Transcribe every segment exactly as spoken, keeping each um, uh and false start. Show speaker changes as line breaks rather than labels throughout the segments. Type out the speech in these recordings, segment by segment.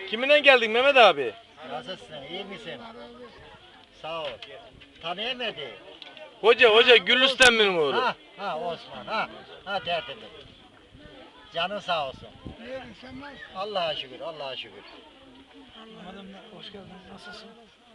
Kiminle geldin Mehmet abi?
Nasılsın? İyi misin? Sağ ol. Tanıyamadı.
Hoca hoca Gülistan'ın oğlu.
Ha ha Osman ha. Ha tertemiz. Canın sağ olsun. Allah'a şükür, Allah'a şükür.
Anladım. Hoş geldin. Nasılsın?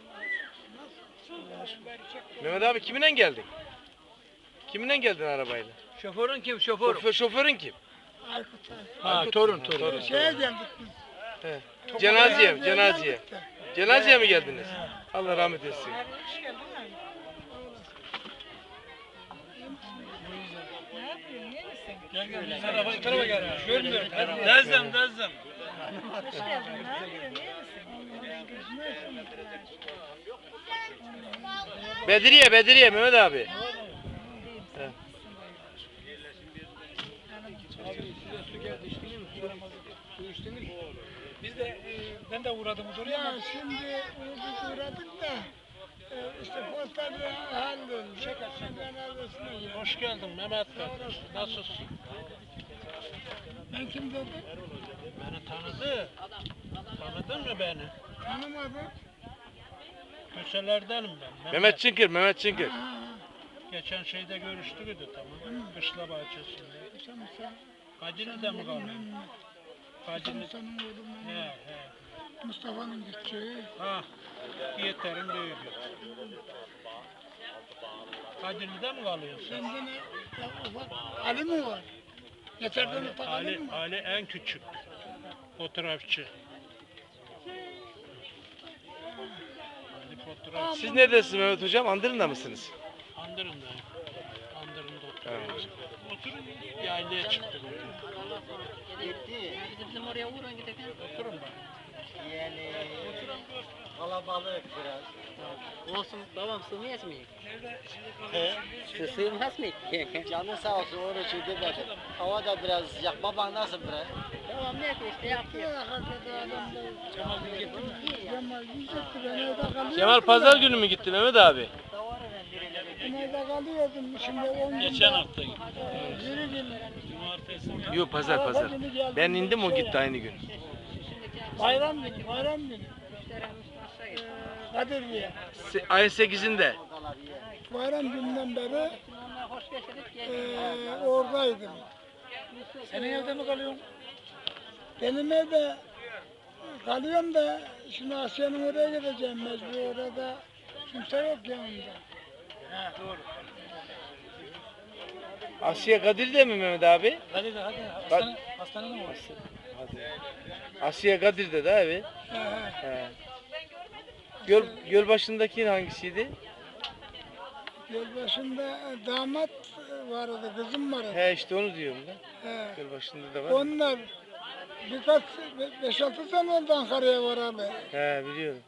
Mehmet abi kiminle geldin? Kiminle geldin arabayla?
Şoförün kim? Şoför.
Şoför, şoförün kim?
Ha,
Aykut.
torun,
Ha,
torun.
torun.
Şeye geldik biz.
He. Cenazeye,
Cenazeye
cenazeye.
geldik de.
Cenazeye mi geldiniz? Allah rahmet etsin.
Gel gel. Tarafa, tarafa gel. Görmüyorum. Dezzem, dezzem.
Bedriye, Bedriye Mehmet abi. He.
Biz de, e, ben de uğradım oraya.
Ya şimdi uğradık uğradık da e, işte postacı hallolmuş. Şaka cenazesine geldik.
Hoş geldin Mehmet Bey. Nasılsın?
Ben kim dedim?
Beni tanıdı. Tanıdın mı beni?
Tanımadım.
Köselerdenim ben.
Mehmet Çınkır, Mehmet Çınkır.
Ha,
Geçen şeyde görüştük tamam mı? Kışla bahçesinde.
sen sen.
Kadirli'de mi kaldın? Kadirli.
Musa'nın oğlu
He
Mehmet.
he.
Mustafa'nın gideceği.
Ha. Yeterin büyüğü. Kadirli'de mi kalıyorsun?
Sende ne? Ya ufak Ali mi var? Yeterden ufak Ali
Ali,
mi var?
Ali en küçük. Fotoğrafçı. Ali fotoğrafçı.
Siz neredesiniz Mehmet hocam? Andırın'da mısınız?
Andırın'da. Andırın'da
Evet.
oturuyoruz. Oturun yaylaya çıktık.
Gitti.
Bizim oraya uğrayın gidelim.
Oturun bak.
Yani kalabalık biraz.
Olsun babam sığmayız mı?
He?
Sığmaz mı?
Canın sağ olsun, onu için demedim. Hava da biraz sıcak. Baban nasıl bre?
Tamam ne işte yapıyor.
Ya hakikaten adam da Cemal yiyecekti ben evde kalıyordum.
Kemal pazar günü mü gitti Mehmet abi?
Ben evde kalıyordum şimdi on gün.
Geçen hafta gibi.
Yürü gün.
Cumartesi.
Yok pazar pazar. Ben indim o gitti aynı gün.
Bayram günü, bayram günü. Ee, Kadirli'ye.
Se- ayın sekizinde.
Bayram gününden beri
Hoş geçirip
ee, oradaydım.
Senin evde mi kalıyorsun?
Benim evde kalıyorum da şimdi Asya'nın oraya gideceğim mecbur orada kimse yok yanımda.
He doğru.
Asya Kadir'de mi Mehmet abi?
Hadi de hadi. Hastane, hastanede mi var?
Asya Kadir'de de abi.
He, he.
He. Göl, göl başındaki hangisiydi?
Gölbaşı'nda damat vardı, kızım vardı.
He işte onu diyorum da.
He.
Göl başında da var.
Onlar birkaç, beş altı sene oldu Ankara'ya var abi.
He biliyorum.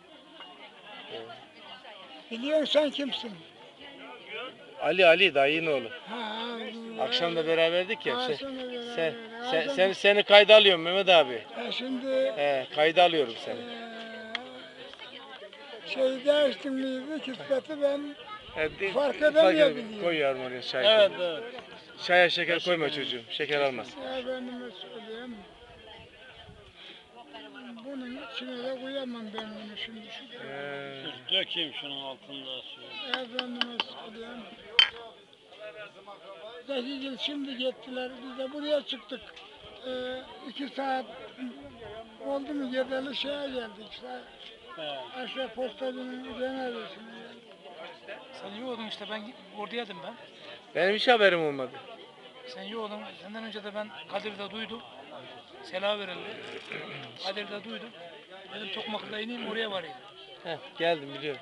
Biliyorsun sen kimsin?
Ali Ali dayının oğlu.
Ha, ha,
Akşam da beraberdik ya.
Ha,
Sen,
sonra beraber.
sen,
Ha,
sen,
sonra-
sen- seni kayda alıyorum Mehmet abi.
Ha, şimdi
He kayda alıyorum seni.
eee şey değiştim miydi, kısmeti ben
He, de-
Fark
fark
edemeyabiliyor.
edemiyorum. Koy yavrum oraya çay.
Evet
koy.
evet.
Çaya şeker koyma çocuğum. Şeker almaz.
efendime söyleyeyim. Bunun içine de koyamam ben bunu şimdi. Şu-
He.
Dökeyim şunun altında suyu.
Efendime söyleyeyim. Zekigil şimdi gittiler, biz de buraya çıktık. Ee, iki saat oldu mu Gedeli şeye geldik. İşte
He.
aşağı postacının cenazesine geldik.
Sen yoğdun işte ben oradaydım ben.
Benim hiç haberim olmadı.
Sen yoğdun. Senden önce de ben Kadir'de duydum. Selam verildi. Kadir'de duydum. Dedim Tokmak'ta ineyim oraya varayım.
Heh, geldim biliyorum.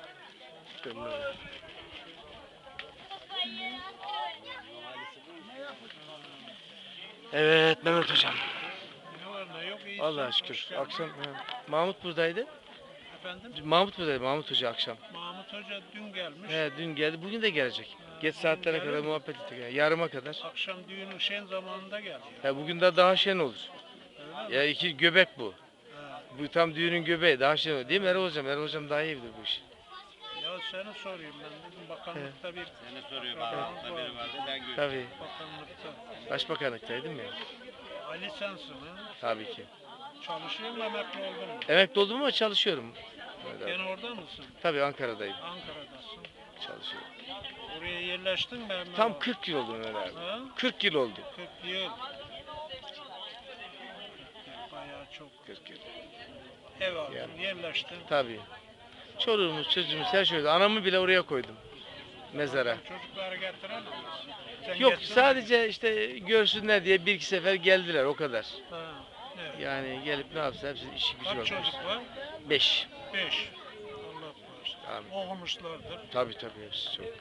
Evet Mehmet hocam.
Ne var ne yok iyi.
Allah'a şükür. Akşam he. Mahmut buradaydı.
Efendim?
Mahmut buradaydı. Mahmut Hoca akşam.
Mahmut Hoca dün gelmiş.
He, dün geldi. Bugün de gelecek. Geç saatlere kadar muhabbet ettik. Yani yarıma kadar.
Akşam düğünün şen zamanında geldi.
He, bugün de daha şen olur.
Öyle mi?
Ya iki göbek bu.
He.
Bu tam düğünün göbeği. Daha şen olur. Değil mi Erol hocam? Erol hocam daha iyi bilir bu işi.
Ya seni sorayım ben dedim bakanlıkta bir
Seni soruyor bakanlıkta biri vardı ben gördüm.
Tabii.
bakanlıkta.
Başbakanlıktaydım ya.
Ali sensin ha?
Tabii ki.
Çalışıyor mu, emekli oldun mu?
Emekli oldum ama çalışıyorum. Evet, abi.
Gene orada mısın?
Tabii Ankara'dayım.
Ankara'dasın.
Çalışıyorum.
Oraya yerleştin mi hemen?
Tam kırk yıl oldu Mehmet abi.
Ha?
kırk yıl oldu.
kırk yıl. Bayağı çok.
kırk yıl.
Ev aldın,
Yani.
yerleştin.
Tabii. Çoluğumuz, çocuğumuz her şey oldu. Anamı bile oraya koydum. Mezara.
Çocukları getiren misin? Sen
Yok
getirdin mi?
sadece işte görsünler diye bir iki sefer geldiler o kadar.
Ha, evet.
Yani gelip ne yapsa hepsi işi gücü
Kaç
olmuş.
çocuk var?
Beş.
Beş. Allah bağışlasın.
Amin.
Okumuşlardır.
Tabii tabii hepsi çok.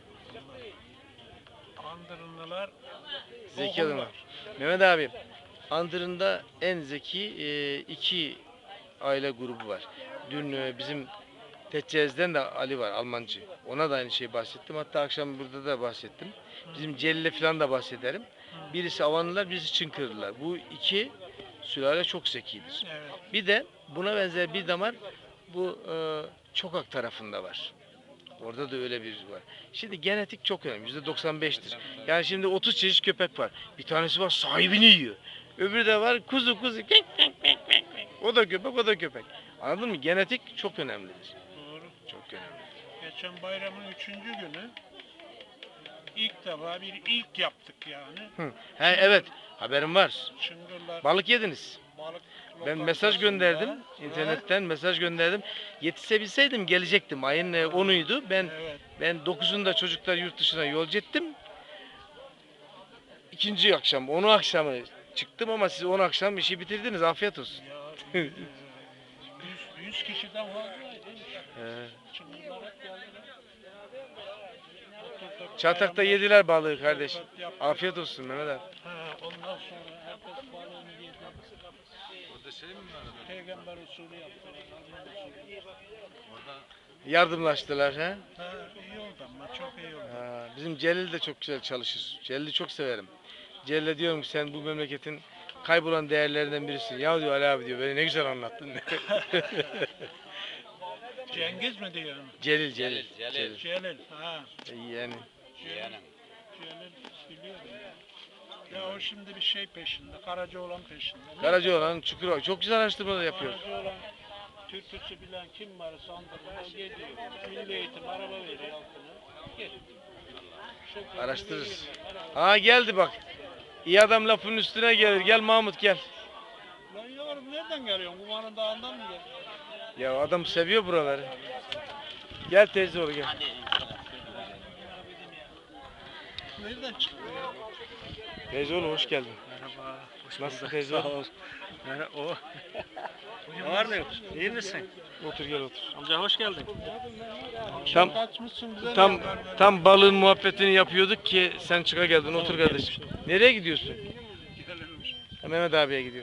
Andırınlılar
Zeki adamlar. Mehmet abi, Andırın'da en zeki e, iki aile grubu var. Dün e, bizim Teccez'den de Ali var, Almancı. Ona da aynı şeyi bahsettim. Hatta akşam burada da bahsettim. Bizim Celil'le falan da bahsederim. Birisi Avanlılar, birisi Çınkırlılar. Bu iki sülale çok zekidir.
Evet.
Bir de buna benzer bir damar bu e, Çokak tarafında var. Orada da öyle bir var. Şimdi genetik çok önemli. yüzde doksan beştir. Yani şimdi otuz çeşit köpek var. Bir tanesi var sahibini yiyor. Öbürü de var kuzu kuzu. Kek, kek, kek, kek, kek. O da köpek, o da köpek. Anladın mı? Genetik çok önemlidir.
Doğru.
Çok önemli.
Geçen bayramın üçüncü günü ilk defa bir ilk yaptık yani.
Hı. He, evet. Haberim var.
Çıngırlar
Balık yediniz.
balık
Ben mesaj
lokantasında.
gönderdim. İnternetten mesaj gönderdim. Yetişebilseydim gelecektim. Ayın e, onuydu. Ben
Evet.
ben dokuzunda çocuklar yurt dışına yolcu ettim. İkinci akşam, onu akşamı çıktım ama siz on akşam işi bitirdiniz. Afiyet olsun.
Ya, e, yüz, yüz kişiden fazlaydı.
He.
Çıngırlar hep geldiler. Oturduk,
Çatak'ta
bayramda
yediler balığı kardeş.
sohbet yaptık.
Afiyet olsun Mehmet abi.
Ha, ondan sonra herkes balığını yedi.
Orada şey mi var?
Peygamber usulü yaptılar. Alman usulü.
Yardımlaştılar he.
Ha, iyi oldu ama çok iyi oldu.
Ha, bizim Celil de çok güzel çalışır. Celil'i çok severim. Celil'e diyorum ki sen bu memleketin kaybolan değerlerinden birisin. Ya diyor Ali abi diyor beni ne güzel anlattın.
Cengiz mi diyor?
Celil, Celil.
Celil,
Celil.
Celil. Ha.
Yani
Celil. Celil biliyorum. Ya o şimdi bir şey peşinde. Karacaoğlan peşinde.
Karacaoğlan, Çukurova çok güzel araştırmalar yapıyor.
Karacaoğlan türküsü bilen kim var sandığında gidiyor. Milli eğitim araba veriyor altına. Gel. Şoförü
Araştırırız.
veriyorlar, araba.
Ha geldi bak. İyi adam lafın üstüne gelir. Gel Mahmut gel.
Lan yavrum nereden geliyorsun? Kumanın dağından mı geliyorsun?
Ya adam seviyor buraları. Gel teyze oğlu gel.
Nereden çıktı ya?
Teyze oğlu hoş geldin.
Merhaba.
Nasılsın teyze oğlu?
Merhaba. O. Ne var ne yok? İyi misin?
Otur gel otur.
Amca hoş geldin.
Tam
Kaçmışsın bize
tam
ne haber ver?
tam balığın muhabbetini yapıyorduk ki sen çıka geldin. Otur kardeşim. Nereye gidiyorsun?
Gidelim.
Ha, Mehmet abiye gidiyor.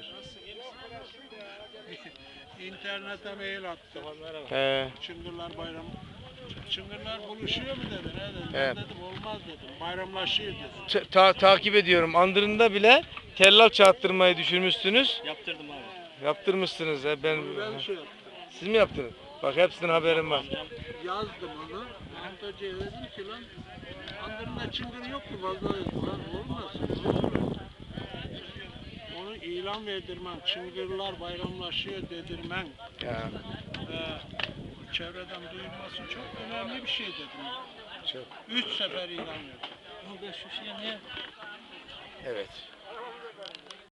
İnternete mail attım.
He.
Çıngırlar bayramı. Çıngırlar buluşuyor mu dedi. Ne dedi?
Evet.
Ben dedim olmaz dedim. Bayramlaşıyor dedim.
Ta- ta- takip ediyorum. Andırın'da bile tellal çağıttırmayı düşünmüşsünüz.
Yaptırdım abi.
Yaptırmışsınız. He. Ben,
Ben şey yaptım.
siz mi yaptınız? Bak hepsinin haberim var.
Yazdım onu. Mahmut Hoca'ya dedim ki lan Andırın'da çıngır yok mu? Fazla dedim. Lan olmaz. Olur. Onu ilan verdirmem. Çıngırlar bayramlaşıyor dedirmem.
Ya,
Ee, çevreden duyulması çok önemli bir şey dedim.
çok.
Üç sefer ilan verdim.
Burada şu şey ne?
Evet.